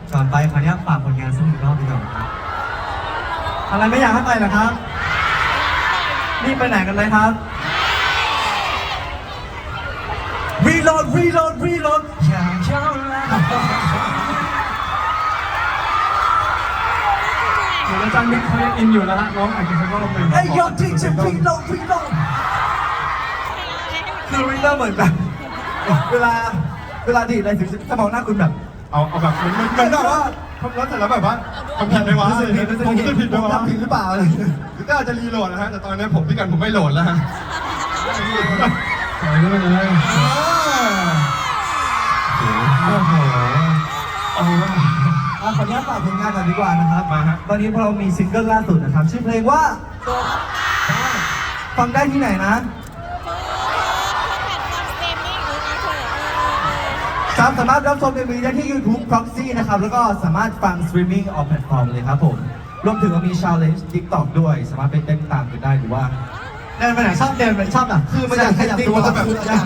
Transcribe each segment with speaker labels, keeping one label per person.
Speaker 1: ก่อนไปขออนุญาตฝากผลงานสักหนึ่งรอบดีกว่าครับอะไรไม่อยากให้ไปเหรอครับนี่ไปไหนกันเลยครับReload อย่าเข้าแล้ว
Speaker 2: เดี๋ยวอาจารย์มิกเขายังอินอยู่นะฮะน้องอาจจะเขาก็ลงไป
Speaker 1: ไอ้ยอดที่จะ Reload คือ Reload เหมือนแบบเวลาดีอะไรถึงจะมองหน้าคุณแบบ
Speaker 3: เอาแบบเหมือนแบบว่าทำแล้วเสร็จแล้วแบบว่าทำผิดไหมวะผมจะผิดไหมวะ
Speaker 1: ทำผิดหรือเปล่าเลย
Speaker 3: หรือก็อาจจะรีโหลดนะฮะแต่ตอนนี้ผมพี่กันผมไม่โหลดแล้วฮะ
Speaker 2: ถอยด้วยเลย
Speaker 3: โอ้โห
Speaker 1: ขออนุญาตฝากผลงานก่อนดีกว่านะครับ
Speaker 3: มาฮะ
Speaker 1: ตอนนี้เรามีซิงเกิลล่าสุดนะครับชื่อเพลงว่าฟังได้ที่ไหนนะครับสามารถรับชม MV ได้ที่ YouTube Proxy นะครับแล้วก็สามารถฟังสตรีมมิ่งออฟแพลตฟอร์มเลยครับผมรวมถึงมี Challenge TikTok ด้วยสามารถไปเต้นตามกันได้หรือว่าเดินไปไหนชอบเดินไปชอบอ่ะคือมันอยากขยับตัวแบบ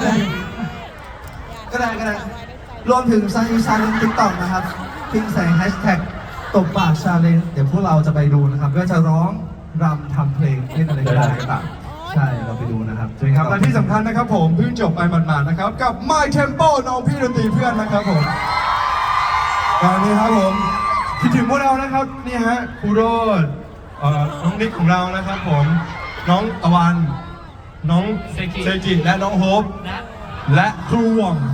Speaker 1: ก็ได้รวมถึงชาเลนจ์ TikTok นะครับพิมพ์ใส่แฮชแท็กตบปากชาเลนจ์เดี๋ยวพวกเราจะไปดูนะครับก็จะร้องรำทำเพลงเล่นอะไรก็ได้ก็ตามใช่เราไปดูนะครับ
Speaker 3: ครับและที่สำคัญนะครับผมเพิ่งจบไปหมาดๆนะครับกับ My Tempo น้องพี่ดนตรีเพื่อนนะครับผมตอนนี้ครับผมคิดถึงพวกเรานะครับนี่ฮะครูโรดน้องนิกของเรานะครับผมน้องตะวันน้องเซกิและน้องโฮปและครูหว่อง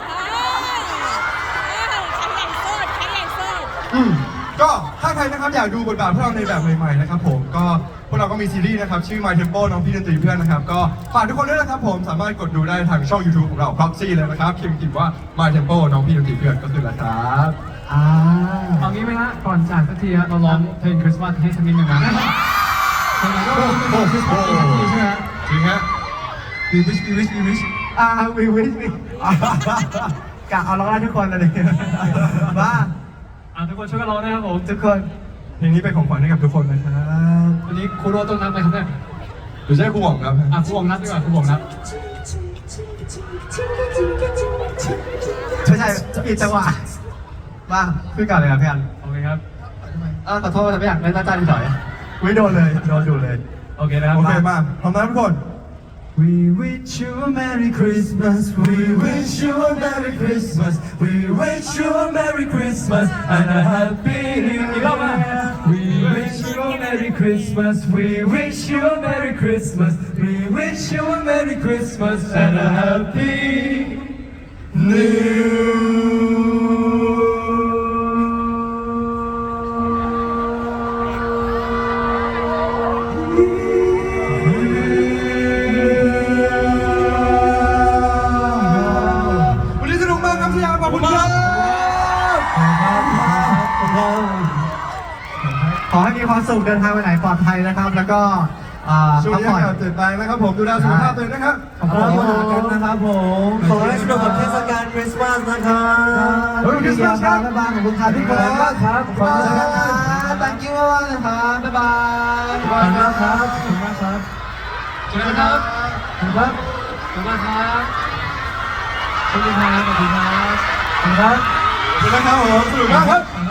Speaker 3: ก็ถ้าใครนะครับอยากดูบทบาทพวกเราในแบบใหม่ๆนะครับผมก็พวกเราก็มีซีรีส์นะครับชื่อ My Tempo น้องพี่ดนตรีเพื่อนนะครับก็ฝากทุกคนด้วยนะครับผมสามารถกดดูได้ทางช่อง YouTube ของเรา Proxy เลยนะครับพิมพ์ว่า My Tempo น้องพี่ดนตรีเพื่อนก็คือแล้วครับ
Speaker 2: เอางี้ไหมฮะก่อนจากสักทีฮะเราร้องเพลงคริสต์มาสให้สักนิดหนึ่งนะเพลงนี้ก็เป็นคริสต์มาสสักทีใช่ไหม
Speaker 3: จริงฮะ
Speaker 1: We wish we wish กะเอาร้องได้ทุกคนเลยบ้า
Speaker 2: ทุกคนช่วยกันร้องนะครับผม
Speaker 1: ทุกคน
Speaker 3: เพลงนี้เป็นของขวัญให้กับทุกคนนะครับ
Speaker 2: วันนี้ครูโรต้องนับไหมครับเนี่ย
Speaker 3: หรือใช่ครูหว่องครับ
Speaker 2: ครูหว่องนับดีกว่าครูหว่องนับ
Speaker 1: ไม่ใช่ผิดจังหวะบ้าขึ้นก่อนเลยครับพี่อัน
Speaker 2: โอเคครับ
Speaker 1: ขอโทษครับพี่อันไม่ตั้งใจถอยไม่โดนเลยโดนดูเลย
Speaker 2: โอเคนะครับ
Speaker 3: โอเคมาพร้อมนะทุกคน
Speaker 1: We wish you a Merry Christmas We wish you a Merry Christmas We wish you a Merry Christmas and a Happy New Year We wish you a Merry Christmas We wish you a Merry Christmas We wish you a Merry Christmas and a Happy Newขอให้มีความสุขเดินทางไปไหนปลอดภัยนะครับ แล้วก็
Speaker 3: ช่วงนี้อย่าตื่นไปนะครับผมดูแลสุขภาพตัวเองนะครับ
Speaker 1: ขอบคุณนะครับผมขอให้สนุกกับเทศกาลคริสต์มาสนะครับคริสต์มาสครับบ๊ายบายขอบคุณครับทุกคนครับขอบคุณครับ thank you มากนะครับบ๊ายบายขอบคุณมากครับขอบคุณมากครับ
Speaker 2: เจอกันครับขอบคุณครับขอบคุณครับขอบคุณครับขอบคุณครับขอบคุณครับ
Speaker 3: ขอบคุณนะครับผมสนุกมากครับ